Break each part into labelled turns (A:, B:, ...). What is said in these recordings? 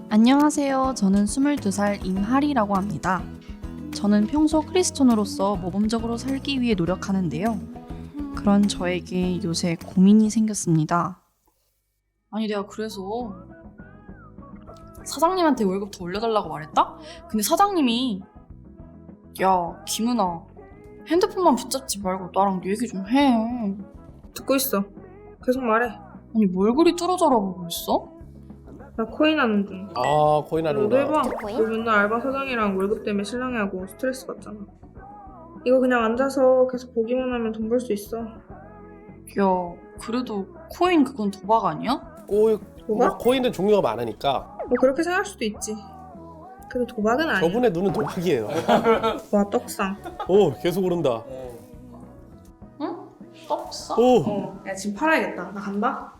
A: 안녕하세요. 저는 22살 임하리라고 합니다. 저는 평소 크리스천으로서 모범적으로 살기 위해 노력하는데요. 그런 저에게 요새 고민이 생겼습니다. 아니 내가 그래서 사장님한테 월급 더 올려달라고 말했다? 근데 사장님이 야 김은아 핸드폰만 붙잡지 말고 나랑 얘기 좀 해.
B: 듣고 있어. 계속 말해.
A: 아니 뭘 그리 뚫어져라보고 있어?
B: 나 코인 하는 중.
C: 아, 코인
B: 너도
C: 하는구나.
B: 해봐.
D: 코인?
B: 너 맨날 알바 사장이랑 월급 때문에 실랑이하고 스트레스 받잖아. 이거 그냥 앉아서 계속 보기만 하면 돈 벌 수 있어.
A: 야 그래도 코인 그건 도박 아니야?
B: 도박?
C: 코인은 종류가 많으니까.
B: 뭐 그렇게 생각할 수도 있지. 그래도 도박은 아니야.
C: 저분의 눈은 도박이에요.
B: 와 떡상.
C: 오, 계속 오른다.
A: 응? 떡사?
C: 오,
B: 야 지금 팔아야겠다. 나 간다.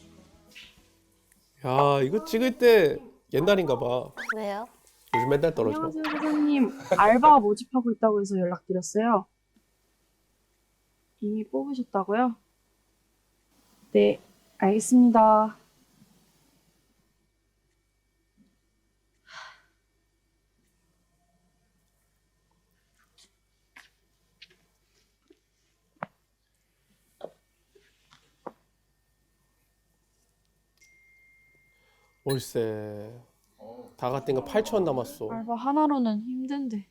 C: 야, 이거 찍을 때 옛날인가 봐.
D: 왜요?
C: 요즘 맨날 떨어져.
A: 안녕하세요 사장님. 알바 모집하고 있다고 해서 연락드렸어요. 이미 뽑으셨다고요? 네, 알겠습니다.
C: 월세. 다 같은 거 8,000원 남았어.
A: 알바 하나로는 힘든데.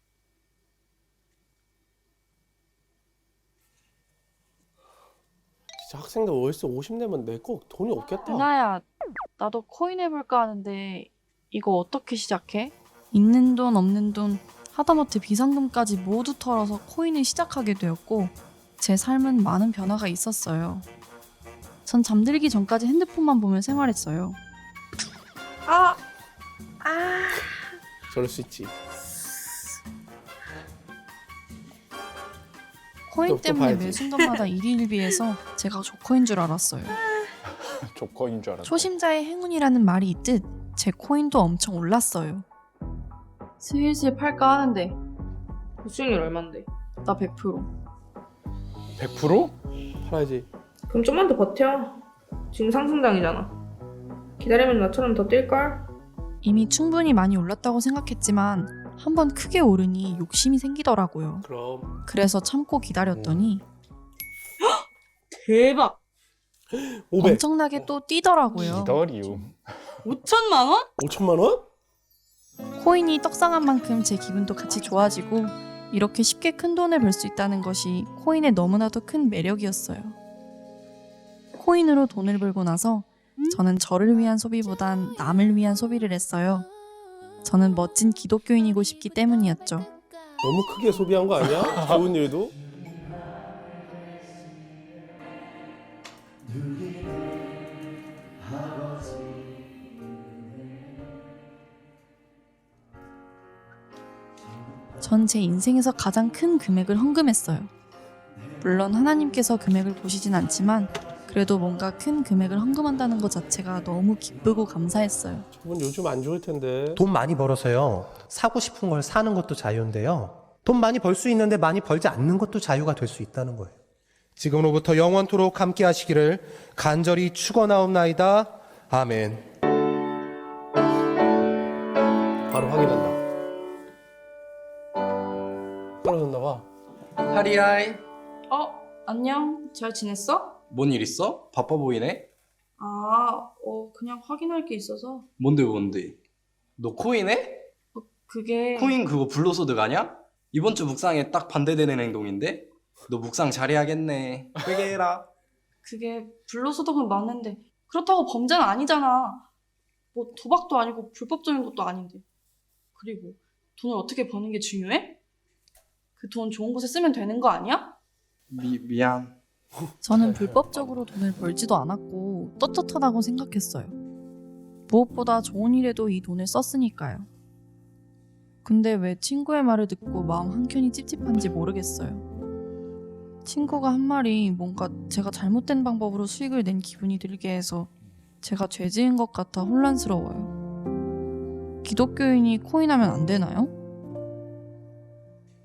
C: 진짜 학생들 월세 50 내면 내 거 돈이 없겠다.
A: 은하야, 나도 코인 해볼까 하는데 이거 어떻게 시작해? 있는 돈 없는 돈 하다못해 비상금까지 모두 털어서 코인을 시작하게 되었고 제 삶은 많은 변화가 있었어요. 전 잠들기 전까지 핸드폰만 보며 생활했어요.
C: 저럴 수 있지.
A: 코인
C: 또
A: 때문에
C: 봐야지.
A: 매 순간마다 일희일비해서 제가 조커인 줄 알았어요.
E: 조커인 줄 알았네.
A: 초심자의 행운이라는 말이 있듯 제 코인도 엄청 올랐어요. 슬슬 팔까 하는데
B: 수익률 얼만데?
A: 나 100%.
E: 100%?
C: 팔아야지.
B: 그럼 좀만 더 버텨. 지금 상승장이잖아. 기다리면 나처럼 더 뛸걸?
A: 이미 충분히 많이 올랐다고 생각했지만 한번 크게 오르니 욕심이 생기더라고요.
C: 그럼
A: 그래서 참고 기다렸더니
B: 대박!
C: 500.
A: 엄청나게 또 뛰더라고요.
E: 기다리움.
B: 5천만 원?
C: 5천만 원?
A: 코인이 떡상한 만큼 제 기분도 같이 좋아지고 이렇게 쉽게 큰 돈을 벌 수 있다는 것이 코인의 너무나도 큰 매력이었어요. 코인으로 돈을 벌고 나서 저는 저를 위한 소비보단 남을 위한 소비를 했어요. 저는 멋진 기독교인이고 싶기 때문이었죠.
C: 너무 크게 소비한 거 아니야? 좋은 일도?
A: 전 제 인생에서 가장 큰 금액을 헌금했어요. 물론 하나님께서 금액을 보시진 않지만 그래도 뭔가 큰 금액을 헌금한다는 것 자체가 너무 기쁘고 감사했어요.
C: 저분 요즘 안 좋을 텐데.
F: 돈 많이 벌어서요. 사고 싶은 걸 사는 것도 자유인데요. 돈 많이 벌 수 있는데 많이 벌지 않는 것도 자유가 될 수 있다는 거예요. 지금으로부터 영원토록 함께 하시기를 간절히 축원하옵나이다. 아멘.
C: 바로 확인한다. 떨어졌나 봐.
G: 하리하이.
A: 안녕. 잘 지냈어?
G: 뭔 일 있어? 바빠 보이네?
A: 그냥 확인할 게 있어서.
G: 뭔데? 너 코인 해?
A: 그게...
G: 코인 그거 불로소득 아냐? 이번 주 묵상에 딱 반대되는 행동인데? 너 묵상 잘해야겠네. 회개해라.
A: 그게 불로소득은 맞는데 그렇다고 범죄는 아니잖아. 뭐 도박도 아니고 불법적인 것도 아닌데. 그리고 돈을 어떻게 버는 게 중요해? 그 돈 좋은 곳에 쓰면 되는 거 아니야?
G: 미안.
A: 저는 불법적으로 돈을 벌지도 않았고 떳떳하다고 생각했어요. 무엇보다 좋은 일에도 이 돈을 썼으니까요. 근데 왜 친구의 말을 듣고 마음 한켠이 찝찝한지 모르겠어요. 친구가 한 말이 뭔가 제가 잘못된 방법으로 수익을 낸 기분이 들게 해서 제가 죄 지은 것 같아 혼란스러워요. 기독교인이 코인하면 안 되나요?